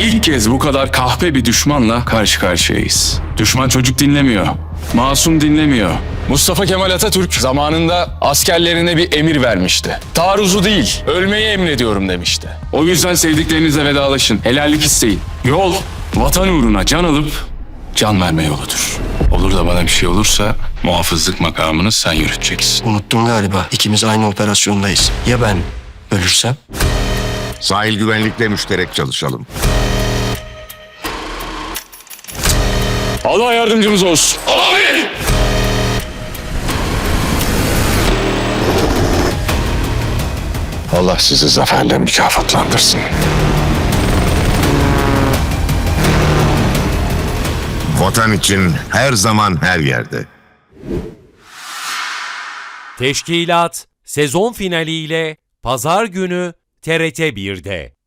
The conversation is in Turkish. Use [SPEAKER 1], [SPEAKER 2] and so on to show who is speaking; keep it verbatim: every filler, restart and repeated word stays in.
[SPEAKER 1] İlk kez bu kadar kahpe bir düşmanla karşı karşıyayız. Düşman çocuk dinlemiyor. Masum dinlemiyor.
[SPEAKER 2] Mustafa Kemal Atatürk zamanında askerlerine bir emir vermişti. Taarruzu değil, ölmeyi emrediyorum demişti.
[SPEAKER 1] O yüzden sevdiklerinizle vedalaşın. Helallik isteyin. Yol, vatan uğruna can alıp can verme yoludur. Olur da bana bir şey olursa muhafızlık makamını sen yürüteceksin.
[SPEAKER 3] Unuttun galiba. İkimiz aynı operasyondayız. Ya ben ölürsem?
[SPEAKER 4] Sahil güvenlikle müşterek çalışalım.
[SPEAKER 2] Allah yardımcımız olsun.
[SPEAKER 4] Allah sizi zaferle mükafatlandırsın. Vatan için her zaman her yerde.
[SPEAKER 5] Teşkilat sezon finaliyle Pazar günü T R T bir'de.